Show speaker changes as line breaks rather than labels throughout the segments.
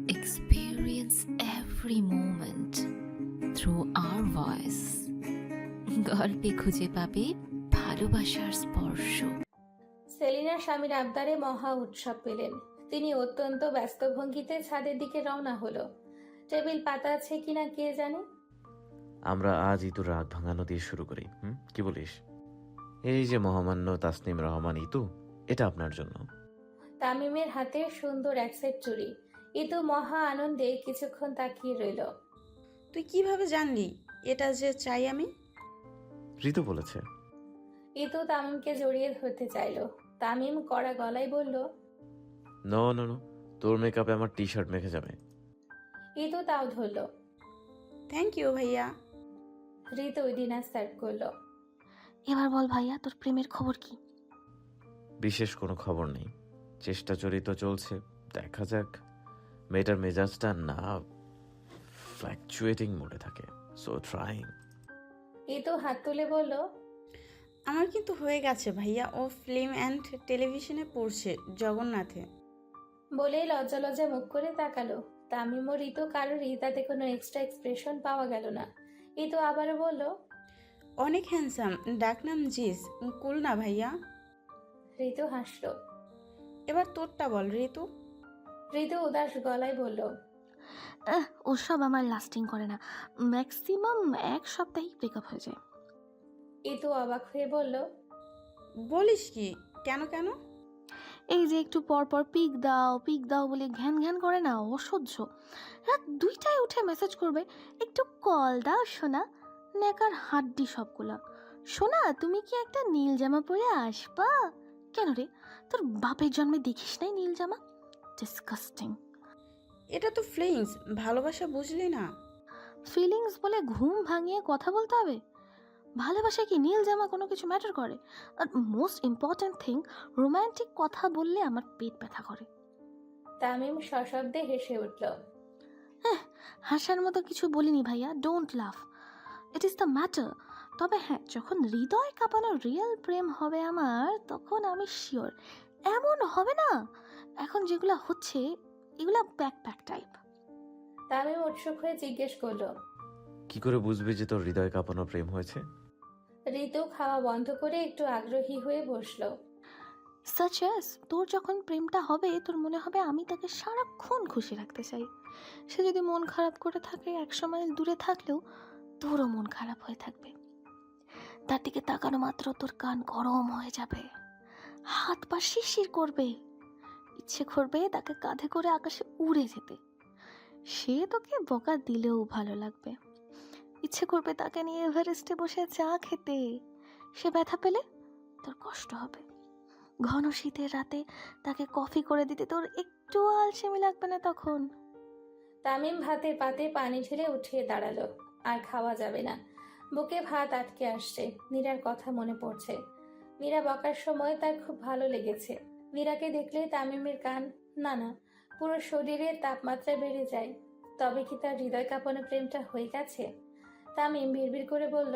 experience every moment through our voice. গল্পে খুঁজে পাবে ভালোবাসার স্পর্শ।
সেলিনার স্বামীর আবদারে মহা উৎসব পেলেন। তিনি অত্যন্ত ব্যস্ত ভঙ্গিতে ছাদের দিকে রওনা হলো। টেবিল পাতা আছে কিনা কে জানে।
আমরা আজ ইতুর রাত ভাঙানো দিয়ে শুরু করি। কি বলিস? এই যে মহামান্য তাসনিম রহমান ইতু, এটা আপনার জন্য।
তামিমের হাতে সুন্দর এক সেট চুড়ি। ইতু মহা আনন্দে কিছুক্ষণ তাকিয়ে রইল।
তুই কিভাবে জানলি এটা যে চাই আমি?
ঋতু বলেছে।
ইতু তামিমকে জড়িয়ে ধরতে চাইল। তামিম কড়া গলায় বলল,
নো নো নো, তোর মেকআপে আমার টি শার্ট মেখে যাবে।
ইতু তাও ধরল।
থ্যাংক ইউ ভাইয়া।
ঋতু ডিনার সার্ভ করলো।
এবার বল ভাইয়া, তোর প্রেমের খবর কি?
বিশেষ কোনো খবর নেই, চেষ্টা চরিত চলছে, দেখা যাক। মেয়েটার মেজাজটা না ফ্ল্যাকচুয়েটিং মোডে থাকে, সো ট্রাইং।
ইতু হাত তুলে বলল,
আমার কিন্তু হয়ে গেছে ভাইয়া, ও ফিল্ম অ্যান্ড টেলিভিশনে পড়ছে জগন্নাথে।
বলেই লজ্জা লজ্জা মুখ করে তাকালো। তামিম ও ঋতু কারোরই তাতে কোনো এক্সট্রা এক্সপ্রেশন পাওয়া গেল না। ইতু আবারও বলল,
অনেক হ্যান্ডসাম, ডাকনাম জিস, কুল না ভাইয়া?
ঋতু হাসল।
এবার তোরটা বল ঋতু।
ঋতু উদাস গলায় বলল,
ওসব আমার লাস্টিং করে না, ম্যাক্সিমাম এক সপ্তাহেই ব্রেকআপ হয়ে যায়।
ইতু অবাক হয়ে বলল,
বলিস কি? কেন কেন?
এই যে একটু পর পর পিক দাও বলে ঘ্যান ঘ্যান করে না, অসহ্য। রাত 2টায় উঠে মেসেজ করবে, একটু কল দাও সোনা। নেকার হাড্ডি সবগুলা। সোনা, তুমি কি একটা নীল জামা পরে আসবা? কেন রে, তোর বাপের জন্মে দেখিস নাই নীল জামা? ডিসকাস্টিং।
এটা তো ফিলিংস, ভালোবাসা বুঝলি না?
ফিলিংস বলে ঘুম ভাঙিয়ে কথা বলতে হবে? ভালোবাসা কি নীল জামা কোনো কিছু ম্যাটার করে? আর মোস্ট ইম্পর্ট্যান্ট থিং, রোম্যান্টিক কথা বললে আমার পেট ব্যথা করে।
তামিম সশব্দে হেসে উঠল।
হাসার মতো কিছু বলিনি ভাইয়া, ডোন্ট লাফ, ইট ইজ দ্য ম্যাটার। তবে হ্যাঁ, যখন হৃদয় কাঁপানো রিয়েল প্রেম হবে আমার, তখন আমি শিওর এমন হবে না এখন যেগুলো হচ্ছে, এগুলা ব্যাকপ্যাক টাইপ।
তামিম উৎসুক হয়ে জিজ্ঞেস করলো,
কি করে বুঝবি যে তোর হৃদয় কাঁপানো প্রেম হয়েছে?
ঋতু খাওয়া বন্ধ করে একটু আগ্রহী হয়ে বসলো।
সাচ অ্যাজ, তোর যখন প্রেমটা হবে, তোর মনে হবে আমি তাকে সারাক্ষণ খুশি রাখতে চাই। সে যদি মন খারাপ করে থাকে, 100 মাইল দূরে থাকলেও তোরও মন খারাপ হয়ে থাকবে। তার দিকে তাকানো মাত্র তোর কান গরম হয়ে যাবে, হাত পা শিরশির করবে, ইচ্ছে করবে তাকে কাঁধে করে আকাশে উড়ে যেতে। সে তোকে বকা দিলেও ভালো লাগবে, ইচ্ছে করবে তাকে নিয়ে এভারেস্টে বসে চা খেতে। সে ব্যথা পেলে তোর কষ্ট হবে। ঘন শীতের রাতে তাকে কফি করে দিতে তোর একটু আলসেমি লাগবে না তখন।
তামিম ভাতের পাতে পানি ঢেলে উঠিয়ে দাঁড়ালো। আর খাওয়া যাবে না, বুকে ভাত আটকে আসছে। মীরার কথা মনে পড়ছে। মীরা বকার সময় তার খুব ভালো লেগেছে। মীরাকে দেখলে তামিমের কান, না না, পুরো শরীরে তাপমাত্রা বেড়ে যায়। তবে কি তার হৃদয় কাঁপানো প্রেমটা হয়ে গেছে? তামিম বিড়বিড় করে বলল,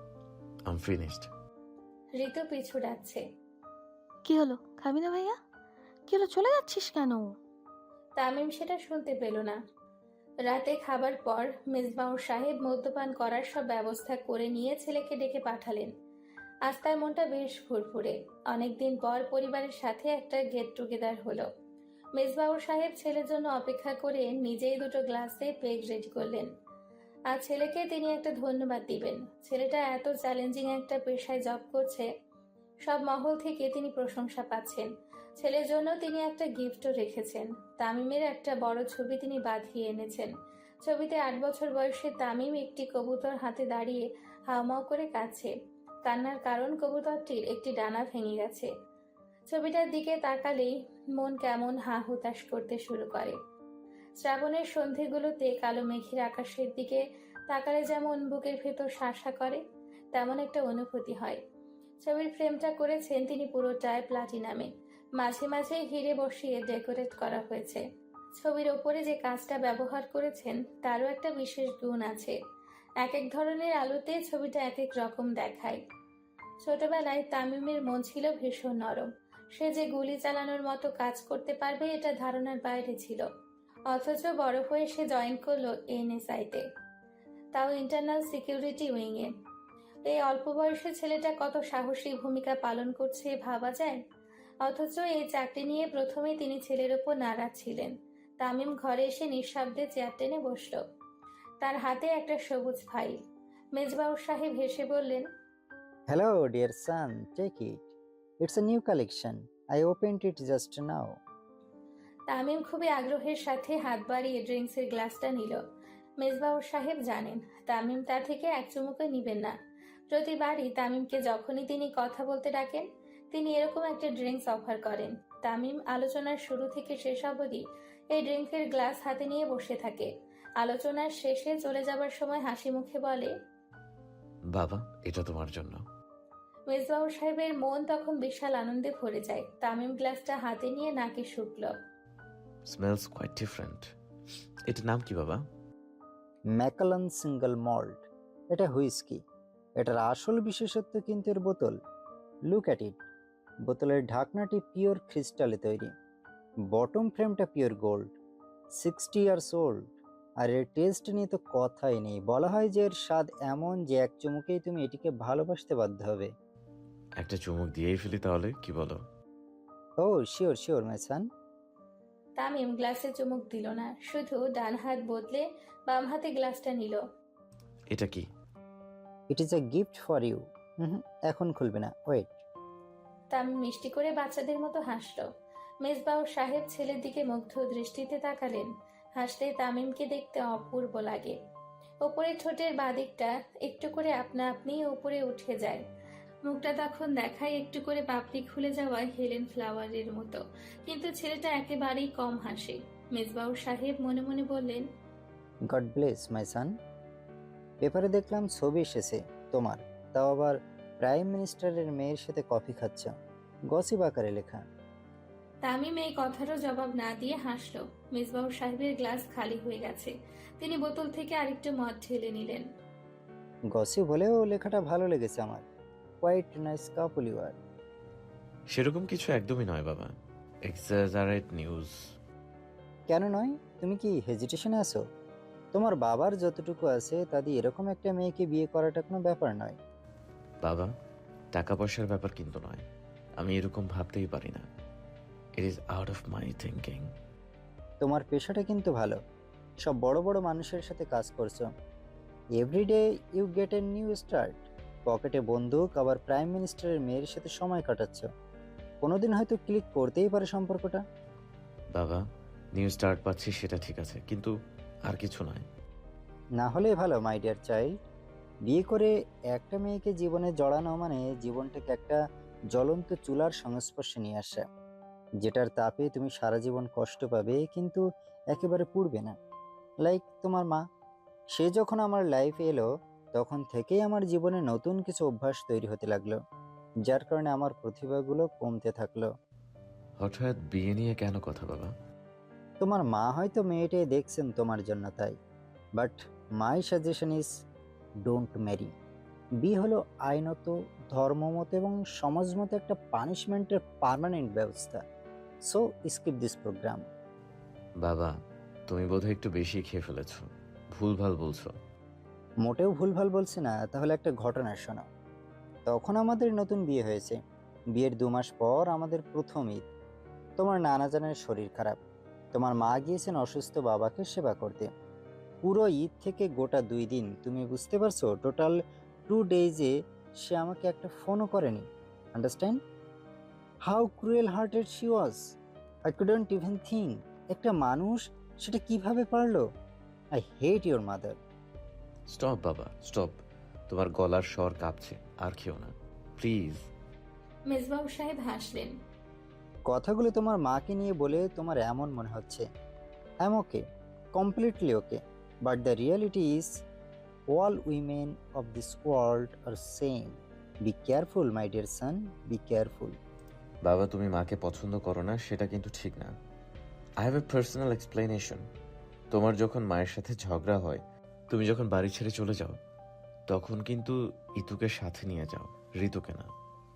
আম ফিনিশড।
ঋতু পিছু ডাকছে।
কি হলো, খাবি না ভাইয়া? কি হলো, চলে যাচ্ছিস কেন?
তামিম সেটা শুনতে পেল না। রাতে খাবার পর মেজবাউর সাহেব মদ্যপান করার সব ব্যবস্থা করে নিয়ে ছেলেকে ডেকে পাঠালেন। আজ তার মনটা বেশ ফুরফুরে। অনেকদিন পর পরিবারের সাথে একটা গেট টুগেদার হলো। মেজবাউর সাহেব ছেলের জন্য অপেক্ষা করে নিজেই 2টো গ্লাসে পেগ রেডি করলেন। আর ছেলেকে তিনি একটা ধন্যবাদ দিবেন। ছেলেটা এত চ্যালেঞ্জিং একটা পেশায় জব করছে, সব মহল থেকে তিনি প্রশংসা পাচ্ছেন। ছেলের জন্য তিনি একটা গিফটও রেখেছেন। তামিমের একটা বড় ছবি তিনি বাঁধিয়ে এনেছেন। ছবিতে 8 বছর বয়সে তামিম একটি কবুতর হাতে দাঁড়িয়ে হাওমাও করে কাঁদছে। কান্নার কারণ, কবুতরটির একটি ডানা ভেঙে গেছে। ছবিটার দিকে তাকালেই মন কেমন হা হুতাশ করতে শুরু করে। শ্রাবণের সন্ধেগুলোতে কালো মেঘের আকাশের দিকে তাকালে যেমন বুকের ভেতর শাসা করে, তেমন একটা অনুভূতি হয়। ছবির ফ্রেমটা করেছেন তিনি পুরোটায় প্লাটিনামে, মাঝে মাঝে হিরে বসিয়ে ডেকোরেট করা হয়েছে। ছবির ওপরে যে কাঁচটা ব্যবহার করেছেন তারও একটা বিশেষ গুণ আছে। এক এক ধরনের আলোতে ছবিটা এক এক রকম দেখায়। ছোটবেলায় তামিমের মন ছিল ভীষণ নরম। সে যে গুলি চালানোর মতো কাজ করতে পারবে এটা ধারণার বাইরে ছিল। অথচ বড় হয়ে সে জয়েন করলো এনএসআইতে, তাও ইন্টারনাল সিকিউরিটি উইংয়ে। এই অল্প বয়সী ছেলেটা কত সাহসী ভূমিকা পালন করছে ভাবা যায়। অথচ এই চাকরি নিয়ে প্রথমেই তিনি ছেলের ওপর নারাজ ছিলেন। তামিম ঘরে এসে নিঃশব্দে চেয়ার টেনে বসল। তার হাতে একটা সবুজ ফাইল। মেজবাউর সাহেব হেসে বললেন,
Hello, dear son. Take it. It's a new collection. I opened it just now.
Tamim খুবই আগ্রহের সাথে হাত বাড়িয়ে ড্রিঙ্কসের গ্লাসটা নিল। মেজবাউর সাহেব জানেন তামিম তা থেকে এক চুমুকে নিবেন না। প্রতিবারই তামিমকে যখনই তিনি কথা বলতে ডাকেন, তিনি এরকম একটা ড্রিঙ্কস অফার করেন। তামিম আলোচনার শুরু থেকে শেষ অবধি এই ড্রিঙ্কের গ্লাস হাতে নিয়ে বসে থাকে। আলোচনার শেষে চলে যাবার সময় হাসি মুখে বলে,
বাবা, এটা তোমার জন্য।
মেজবাউর সাহেবের মন তখন বিশাল আনন্দে ভরে যায়। তামিম গ্লাসটা হাতে নিয়ে নাকে শুকল।
Smells quite different. এটার নাম কি বাবা?
Macallan single malt. এটা হুইস্কি। এটার আসল বিশেষত্ব কিন্তু এর বোতল। Look at it. বোতলের ঢাকনাটি পিওর ক্রিস্টালে তৈরি। বটম ফ্রেমটা পিওর গোল্ড। 60 years old. আর এর টেস্ট নিয়ে তো কথাই নেই। বলা হয় যে এর স্বাদ এমন যে এক চুমুকেই তুমি এটিকে ভালোবাসতে বাধ্য হবে।
একটা চুমুক দিয়েই ফেলি তাহলে, কি বলো?
ও sure sure my son.
Tamim গ্লাসে চুমুক দিল না, শুধু ডান হাত বদলে বাম হাতে গ্লাসটা নিল।
এটা কি?
It is a gift for you. এখন খুলবে না, ওয়েট।
তামিম মিষ্টি করে বাচ্চাদের মতো হাসল। মেজবাউর সাহেব ছেলের দিকে মুগ্ধ দৃষ্টিতে তাকালেন। হাসলে তামিমকে দেখতে অপূর্ব লাগে। ওপরে ঠোঁটের বাদিকটা একটু করে আপনা আপনি উপরে উঠে যায়। মুখটা তখন দেখায় একটু করে পাপড়ি খুলে যাওয়ায় হেলেন ফ্লাওয়ারের মতো। কিন্তু ছেলেটা একেবারেই কম হাসে। মেজবাউর সাহেব মনে মনে বললেন,
গড ব্লেস মাই সান। পেপারে দেখলাম ছবি এসেছে তোমার, তাও আবার প্রাইম মিনিস্টারের মেয়ের সাথে কফি খাচ্ছ। গসিপ আকারে লেখা।
তামিম এই কথারও জবাব না দিয়ে হাসল। মেজবাউর সাহেবের গ্লাস খালি হয়ে গেছে। তিনি বোতল থেকে আরেকটু মদ ঢেলে নিলেন।
গসিপ হলেও লেখাটা ভালো লেগেছে আমার। Quite nice couple you are.
সেরকম কিছু একদমই নয় বাবা, এক্সাজারেট নিউজ।
কেন নয়? তুমি কি হেজিটেশনে আছো? তোমার বাবার যতটুকু আছে তা দিয়ে এরকম একটা মেয়েকে বিয়ে করাটা কোনো ব্যাপার নয়।
বাবা, টাকা পয়সার ব্যাপার কিন্তু নয়। আমি এরকম ভাবতেই পারি না। It is out of my thinking.
তোমার পেশাটা কিন্তু ভালো। সব বড় বড় মানুষের সাথে কাজ করছো। Everyday you get a new start. পকেটে বন্দুক, আবার প্রাইম মিনিস্টারের মেয়ের সাথে সময় কাটাচ্ছ। কোনোদিন হয়তো ক্লিক করতেই পারে সম্পর্কটা।
বাবা, নিউ স্টার্ট পাচ্ছি সেটা ঠিক আছে, কিন্তু আর কিছু নয়।
না হলে ভালো মাই ডিয়ার চাইল্ড। বিয়ে করে একটা মেয়েকে জীবনে জড়ানো মানে জীবনটাকে একটা জ্বলন্ত চুলার সংস্পর্শে নিয়ে আসা, যেটার তাপে তুমি সারা জীবন কষ্ট পাবে কিন্তু একেবারে পুড়বে না। লাইক তোমার মা। সে যখন আমার লাইফে এলো তখন থেকেই আমার জীবনে নতুন কিছু অভ্যাস তৈরি হতে লাগলো, যার কারণে আমার প্রতিভাগুলো কমতে থাকলো।
হঠাৎ বিয়ে নিয়ে কেন কথা বাবা?
তোমার মা হয়তো মেয়েটাই দেখছেন তোমার জন্য, তাই। But my suggestion is don't marry. বিয়ে হলো আইনত, ধর্মমত এবং সমাজমত একটা পানিশমেন্টের পার্মানেন্ট ব্যবস্থা। So skip this programme.
বাবা, তুমি বোধহয় একটু বেশি খেয়ে ফেলেছো, ভুলভাল বলছো।
মোটেও ভুলভাল বলছি না। তাহলে একটা ঘটনা শোনো। তখন আমাদের নতুন বিয়ে হয়েছে। বিয়ের 2 মাস পর আমাদের প্রথম ঈদ। তোমার নানা জানের শরীর খারাপ। তোমার মা গিয়েছেন অসুস্থ বাবাকে সেবা করতে। পুরো ঈদ থেকে গোটা 2 দিন, তুমি বুঝতে পারছো, টোটাল 2 ডেজে সে আমাকে একটা ফোনও করেনি। Understand how cruel hearted she was. I couldn't even think একটা মানুষ সেটা কিভাবে পারলো। I hate your mother.
Stop বাবা, স্টপ। তোমার গলার স্বর কাঁপছে, আর খেও না প্লিজ।
মেজবাউর সাহেব হাসলেন।
কথাগুলো তোমার মাকে নিয়ে বলে তোমার এমন মনে হচ্ছে। I am okay, completely okay, but the reality is all women of this world are same. Be careful my dear son, be careful.
বাবা, তুমি মাকে পছন্দ করো না সেটা কিন্তু ঠিক না। I have a personal explanation. তোমার যখন মায়ের সাথে ঝগড়া হয়, তুমি যখন বাড়ি ছেড়ে চলে যাও, তখন কিন্তু ইতুকে সাথে নিয়ে যাও, ঋতুকে না।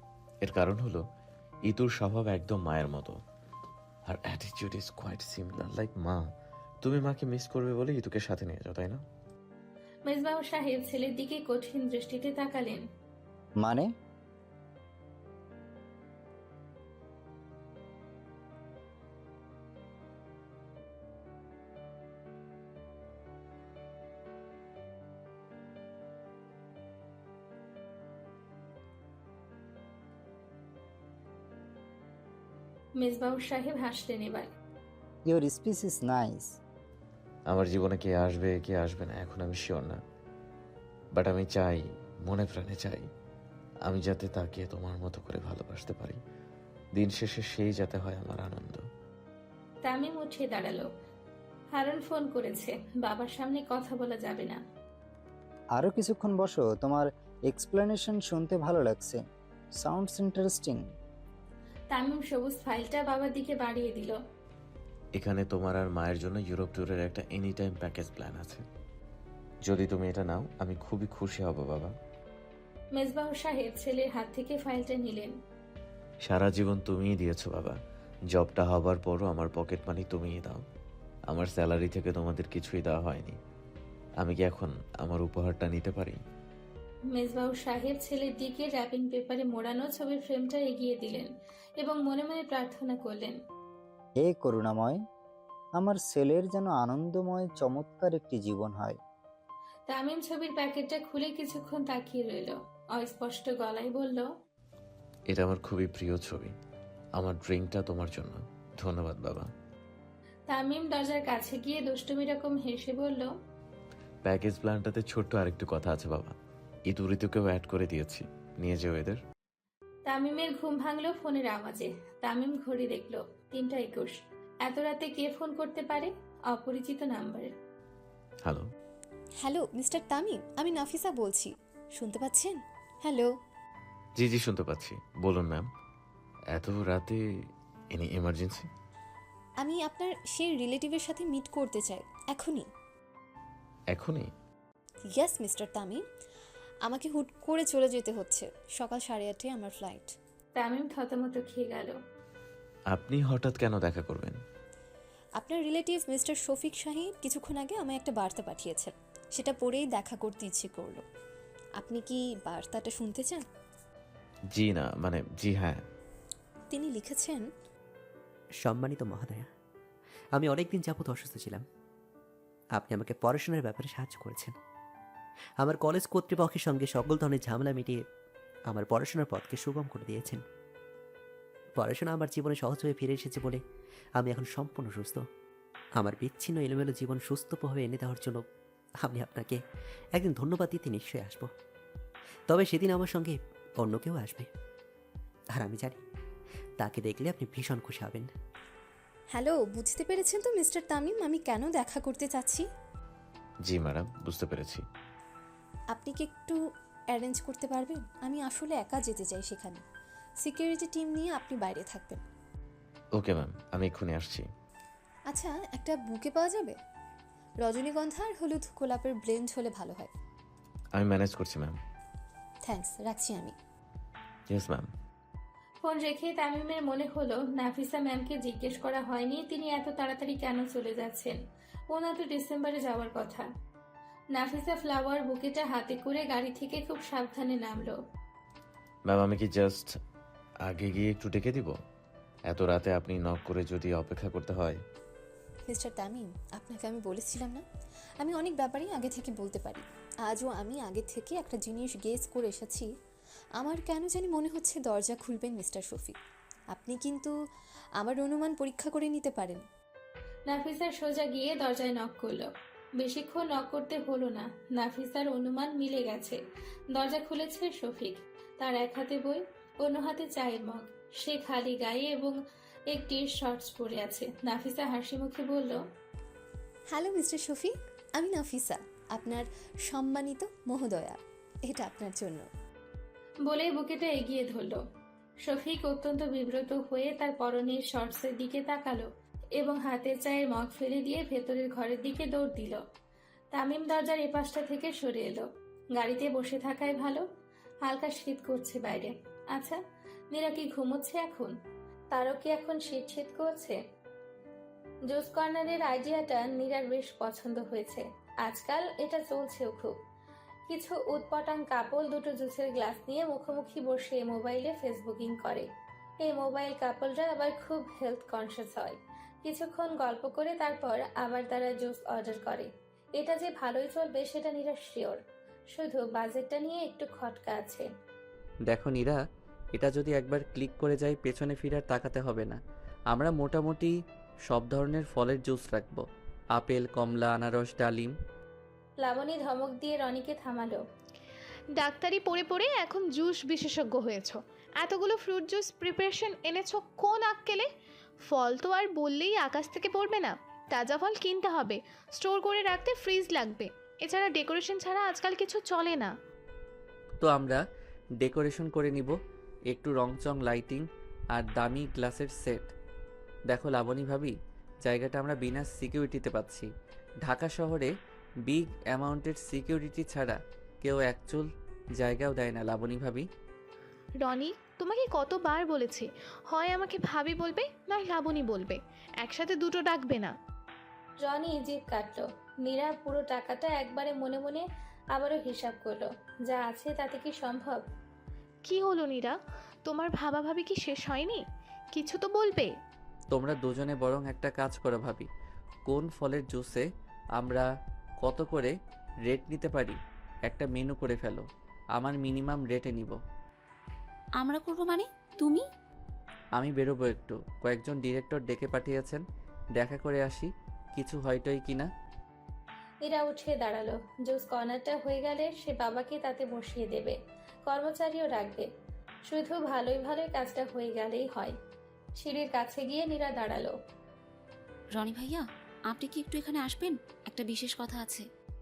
এর কারণ হলো ইতুর স্বভাব একদম মায়ের মতো। আর attitude is quite similar like মা। তুমি মাকে মিস করবে বলে ইতুকে সাথে নিয়ে যাও, তাই না?
মেজবাহ সাহেব ছেলের দিকে কঠিন দৃষ্টিতে তাকালেন।
মানে?
মেজবাহ সাহেব হাসলেন এবার।
Your speech is nice.
আমার জীবনে কে আসবে কে আসবে না এখন আমি শিওর না, বাট আমি চাই, মনে প্রাণে চাই, আমি যাতে তাকে তোমার মতো করে ভালোবাসতে পারি। দিন শেষে সেই যাতে হয় আমার আনন্দ।
তামিম উঠে দাঁড়ালো। হারুন ফোন করেছে, বাবার সামনে কথা বলা যাবে না।
আরও কিছুক্ষণ বসো, তোমার এক্সপ্লেনেশন শুনতে ভালো লাগছে। Sounds interesting.
তামিম সবুজ ফাইলটা বাবার দিকে বাড়িয়ে দিল।
এখানে তোমার আর মায়ের জন্য ইউরোপ ট্যুরের একটা এনি টাইম প্যাকেজ প্ল্যান আছে। যদি তুমি এটা নাও আমি খুবই খুশি হব বাবা।
মেজবাহ সাহেব ছেলের হাত থেকে ফাইলটা নিলেন।
সারা জীবন তুমিই দিয়েছো বাবা, জবটা হবার পরও আমার পকেট মানি তুমিই দাও। আমার স্যালারি থেকে তোমাদের কিছুই দেওয়া হয়নি। আমি কি এখন আমার উপহারটা নিতে পারি?
মেজবাহ সাহেব ছেলের দিকে র্যাপিং পেপারে মোড়ানো ছবির ফ্রেমটা এগিয়ে দিলেন এবং মনে মনে প্রার্থনা করলেন।
হে করুণাময়, আমার ছেলের যেন আনন্দময় চমৎকার একটি জীবন হয়।
তামিম ছবির প্যাকেটটা খুলে কিছুক্ষণ তাকিয়ে রইল, অস্পষ্ট গলায় বলল,
এটা আমার খুবই প্রিয় ছবি। আমার ড্রিঙ্কটা তোমার জন্য। ধন্যবাদ বাবা।
তামিম দরজার কাছে গিয়ে দুষ্টুমি রকম হেসে বলল,
প্যাকেজ প্ল্যানটাতে ছোট্ট আরেকটু কথা আছে বাবা, ইতু ঋতুকেও অ্যাড করে দিয়েছি, নিয়ে যেও এদের।
তামিমের ঘুম ভাঙলো ফোনের আওয়াজে। তামিম ঘড়ি দেখলো 3:21। এত রাতে কে ফোন করতে পারে? অপরিচিত number.
Hello.
Hello mister Tamim, আমি নাফিসা বলছি, শুনতে পাচ্ছেন? হ্যালো।
জি জি শুনতে পাচ্ছি, বলুন ম্যাম। এত রাতে এনি এমার্জেন্সি?
আমি আপনার সেই রিলেটিভের সাথে মিট করতে চাই এখনই।
এখনই?
ইয়েস মিস্টার তামিম, আমাকে হুট করে চলে যেতে হচ্ছে। সকাল 8:30 আমার ফ্লাইট।
তামিম থতমত খেয়ে গেল।
আপনি হঠাৎ কেন দেখা করবেন?
আপনার রিলেটিভ মিস্টার শফিক শাহিন কিছুক্ষণ আগে আমায় একটা বার্তা পাঠিয়েছেন, সেটা পড়েই দেখা করতে ইচ্ছে করলো। আপনি কি বার্তাটা শুনতে চান?
জি না, মানে জি হ্যাঁ।
তিনি লিখেছেন,
সম্মানিত মহোদয়া, আমি অনেকদিন যাবৎ অসুস্থ ছিলাম। আপনি আমাকে পড়াশোনার ব্যাপারে সাহায্য করেছেন। আমার কলেজ কর্তৃপক্ষের সঙ্গে সকল ধরনের ঝামেলা মিটিয়ে আমার পড়াশোনার পথকে সুগম করে দিয়েছেন। পড়াশোনা আমার জীবনে সহজ হয়ে ফিরে এসেছে বলে আমি এখন সম্পূর্ণ সুস্থ। আমার বিচ্ছিন্ন এলোমেলো জীবন সুস্থভাবে এনে দেওয়ার জন্য আমি আপনাকে একদিন ধন্যবাদ দিতে নিশ্চয়ই আসব। তবে সেদিন আমার সঙ্গে অন্য কেউ আসবে, আর আমি জানি তাকে দেখলে আপনি ভীষণ খুশি হবেন।
হ্যালো, বুঝতে পেরেছেন তো মিস্টার তামিম আমি কেন দেখা করতে চাচ্ছি?
জি ম্যাডাম, বুঝতে পেরেছি।
আপনি কি একটু অ্যারেঞ্জ করতে পারবেন? আমি আসলে একা যেতে চাই সেখানে। সিকিউরিটি টিম নিয়ে আপনি বাইরে থাকবেন।
ওকে ম্যাম, আমি এক্ষুনি আসছি।
আচ্ছা, একটা বুকে পাওয়া যাবে? রজনীগন্ধা আর হলুদ গোলাপের ব্লেন্ড হলে ভালো হয়।
আমি ম্যানেজ করছি ম্যাম।
থ্যাঙ্কস, রাখছি আমি।
Yes ma'am.
ফোন রেখে তামিমের মনে হলো নাফিসা ম্যামকে জিজ্ঞেস করা হয়নি তিনি এত তাড়াতাড়ি কেন চলে যাচ্ছেন। ওনার তো ডিসেম্বরে যাওয়ার কথা। নাফিসা ফ্লাওয়ার বুকেটা হাতে করে গাড়ি থেকে খুব সাবধানে নামলো।
ম্যাম আমি কি জাস্ট আগে গিয়ে একটু ডেকে দিব? এত রাতে আপনি নক করে যদি অপেক্ষা করতে হয়।
মিস্টার তামিম, আপনাকে আমি বলেছিলাম না আমি অনেক ব্যাপারেই আগে থেকে বলতে পারি। আজও আমি আগে থেকে একটা জিনিস গেস করে এসেছি। আমার কেন জানি মনে হচ্ছে দরজা খুলবেন মিস্টার শফিক। আপনি কিন্তু আমার অনুমান পরীক্ষা করে নিতে পারেন।
নাফিসার সোজা গিয়ে দরজায় নক করলো। বেশিক্ষণ নক করতে হলো না, নাফিসার অনুমান মিলে গেছে। দরজা খুলেছে শফিক। তার এক হাতে বই, অন্য হাতে চায়ের মগ। সে খালি গায়ে এবং একটি শর্টস পরে আছে। নাফিসা হাসি মুখে বলল,
হ্যালো মিস্টার শফিক, আমি নাফিসা, আপনার সম্মানিত মহোদয়া। এটা আপনার জন্য।
বলে বুকেটা এগিয়ে ধরল। শফিক অত্যন্ত বিব্রত হয়ে তার পরনের শর্টসের দিকে তাকালো এবং হাতে চায়ের মগ ফেলে দিয়ে ভেতরের ঘরের দিকে দৌড় দিল। তামিম দরজার এপাশটা থেকে সরে এলো। গাড়িতে বসে থাকাই ভালো, হালকা শীত করছে বাইরে। আচ্ছা, নীরা কি ঘুমোচ্ছে এখন? তারও কি এখন শীত শীত করছে? জুস কর্নারের আইডিয়াটা নীরার বেশ পছন্দ হয়েছে। আজকাল এটা চলছেও খুব। কিছু উৎপটাং কাপল দুটো জুসের গ্লাস নিয়ে মুখোমুখি বসে মোবাইলে ফেসবুকিং করে। এই মোবাইল কাপলরা আবার খুব হেলথ কনসিয়াস হয়। কিছুক্ষণ গল্প করে তারপর আবার তারা জুস অর্ডার করে। এটা যে ভালোই চলবে সেটা নীরা শিওর, শুধু বাজেটটা নিয়ে একটু খটকা আছে।
দেখো নীরা, এটা যদি একবার ক্লিক করে যাই পেছনে ফিরে আর তাকাতে হবে না। আমরা মোটামুটি সব ধরনের ফলের জুস রাখবো, আপেল, কমলা, আনারস, ডালিম।
লাবণী ধমক দিয়ে রনিকে থামালো।
ডাক্তারি পড়ে পড়ে এখন জুস বিশেষজ্ঞ হয়েছ, এতগুলো ফ্রুট জুস প্রিপারেশন এনেছো কোন আক্কেলে? ফল তো আর বললেই আকাশ থেকে পড়বে না, তাজা ফল কিনতে হবে, স্টোর করে রাখতে ফ্রিজ লাগবে, এছাড়া ডেকোরেশন ছাড়া আজকাল কিছু চলে না।
তো আমরা ডেকোরেশন করে নিব, একটু রংচং লাইটিং আর দামি গ্লাসের সেট। দেখো লাবণী ভাবি, জায়গাটা আমরা বিনা সিকিউরিটিতে পাচ্ছি। ঢাকা শহরে বিগ অ্যামাউন্টের সিকিউরিটি ছাড়া কেউ একচুল জায়গাও দেয় না লাবণী ভাবি।
রনি, তোমাকে কতবার বলেছি, হয় আমাকে ভাবি বলবে নয় লাবণী বলবে, একসাথে দুটো ডাকবে না।
রনি জিভ কাটলো। নীরা পুরো টাকাটা একবারে মনে মনে আবারও হিসাব করলো। যা আছে তাতে কি সম্ভব?
কি হলো নীরা, তোমার ভাবা ভাবি কি শেষ হয়নি? কিছু তো বলবে।
তোমরা দুজনে বরং একটা কাজ করো ভাবি, কোন ফলের জুসে আমরা কত করে রেট নিতে পারি একটা মেনু করে ফেলো, আমার মিনিমাম রেটে নিব।
আমরা করবো মানে? তুমি?
আমি বেরোবো একটু, কয়েকজন ডিরেক্টর ডেকে পাঠিয়েছেন, দেখা করে আসি কিছু হয়টই কিনা।
নীরা উঠে দাঁড়ালো। জুস কর্নারটা হয়ে গেলে সে বাবাকে তাতে বসিয়ে দেবে, কর্মচারীও রাখবে। শুধু ভালোই ভালোই কাজটা হয়ে গেলেই হয়। সিঁড়ির কাছে গিয়ে নীরা দাঁড়ালো।
রনি ভাইয়া, আপনি কি একটু এখানে আসবেন? একটা বিশেষ কথা আছে।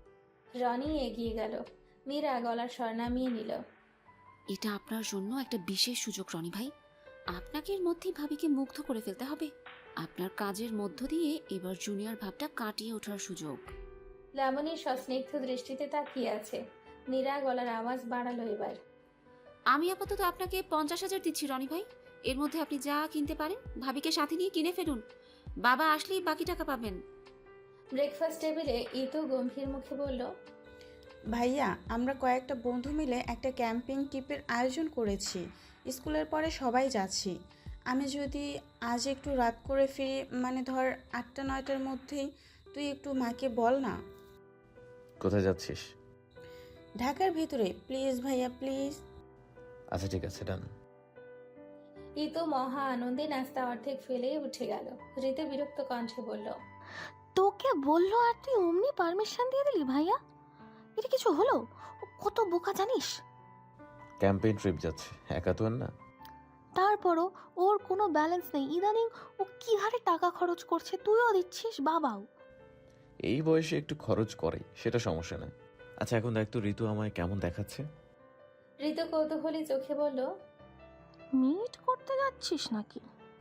রনি এগিয়ে গেল। নীরা গলার স্বর নামিয়ে নিল।
এটা আপনার জন্য একটা বিশেষ সুযোগ রনি ভাই। আপনাকে এর মধ্যেই ভাবিকে মুগ্ধ করে ফেলতে হবে। আপনার কাজের মধ্য দিয়ে এবার জুনিয়র ভাবটা কাটিয়ে ওঠার সুযোগ।
লাবণী সস্নিগ্ধ দৃষ্টিতে তাকিয়ে আছে। নীরা গলার আওয়াজ বাড়ালো এবার।
আমি আপাতত আপনাকে 50,000 দিচ্ছি রনি ভাই। এর মধ্যে আপনি যা কিনতে পারেন ভাবিকে সাথে নিয়ে কিনে ফেলুন। বাবা আসলেই বাকি টাকা পাবেন।
ব্রেকফাস্ট টেবিলে ইতু গম্ভীর মুখে বলল,
ভাইয়া, আমরা কয়েকটা বন্ধু মিলে একটা ক্যাম্পিং ট্রিপের আয়োজন করেছি। স্কুলের পরে সবাই যাচ্ছি। আমি যদি আজ একটু রাত করে ফিরি, মানে ধর 8টা-9টার মধ্যেই, তুই একটু মাকে বল না।
কোথায় যাচ্ছিস?
ঢাকার ভিতরে, প্লিজ ভাইয়া প্লিজ।
আচ্ছা ঠিক আছে, ডান।
ইতু মহা আনন্দে নাস্তা অর্ধেক ফেলেই উঠে গেল। ঋতু বিরক্ত কণ্ঠে বলল,
তোকে বললো আর তুই অমনি পারমিশন দিয়ে দিলি ভাইয়া? এটা কিছু হলো? ও কত বোকা জানিস?
ক্যাম্পেইন ট্রিপ যাচ্ছে, একা তো আর না।
তারপরও ওর কোনো ব্যালেন্স নেই। ইদানিং ও কি হারে টাকা খরচ করছে, তুইও দিচ্ছিস, বাবাও।
এই বয়সে একটু খরচ করে, সেটা সমস্যা না। আচ্ছা এখন দেখ তো ঋতু আমায় কেমন দেখাচ্ছে।
ঋতু কৌতূহলী চোখে বলল,
মিট করতে যাচ্ছিস নাকি?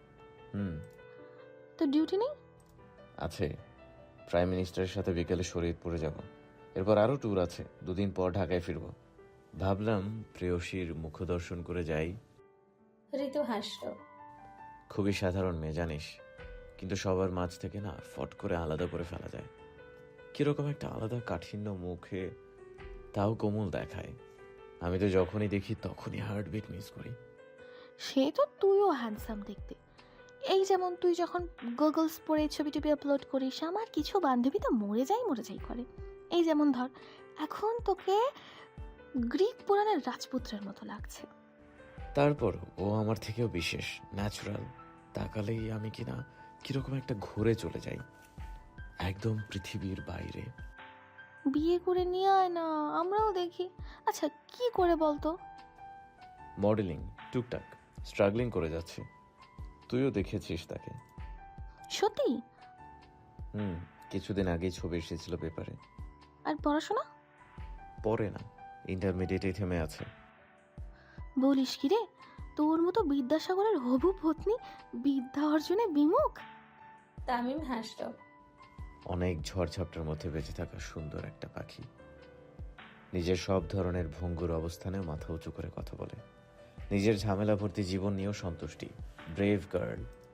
তো ডিউটি নেই?
আছে, প্রাইম মিনিস্টারের সাথে বিকেলে শরীয়তপুরে যাব। এরপর আরও ট্যুর আছে, 2 দিন পর ঢাকায় ফিরবো। ভাবলাম প্রেয়সীর মুখ দর্শন করে যাই।
ঋতু হাসল।
খুবই সাধারণ মেয়ে জানিস, কিন্তু সবার মাঝ থেকে না ফট করে আলাদা করে ফেলা যায়। কিরকম একটা আলাদা কাঠিন্য মুখে, তাও কোমল দেখায়। আমি তো যখনই দেখি তখনই হার্টবিট মিস করি।
সে তো তুইও হ্যান্ডসাম দেখতে। এই যেমন তুই যখন গুগলস পরে ছবি টবি আপলোড করিস, আমার কিছু বান্ধবী তো মরে যাই করে। এই যেমন ধর, এখন তোকে গ্রিক পুরাণের রাজপুত্রের মতো লাগছে।
তারপর ও আমার থেকেও বিশেষ, ন্যাচারাল। তাকালেই আমি কিনা কিরকম একটা ঘুরে চলে যাই, একদম পৃথিবীর বাইরে।
বিয়ে করে নিয়ে আয় না, আমরাও দেখি। আচ্ছা কি করে বলতো?
মডেলিং, টুকটাক স্ট্রাগলিং করে যাচ্ছে। তুইও দেখেছিস তাকে?
সত্যি?
কিছুদিন আগেই ছবি এসেছিল পেপারে।
আর পড়াশোনা?
পরে না, ইন্টারমিডিয়েটে থেমে আছে।
বলিস কি রে, তোর মতো বিদ্যাসাগরের হবু পত্নী বিদ্যা অর্জনে বিমুখ?
তামিম হাসল।
অনেক ঝড়ঝাপটার মধ্যে বেঁচে থাকা সুন্দর একটা পাখি। নিজের সব ধরনের ভঙ্গুর অবস্থানেও মাথা উঁচু করে কথা বলে। নিজের ঝামেলা ভর্তি জীবন নিয়েও সন্তুষ্টি। Brave girl.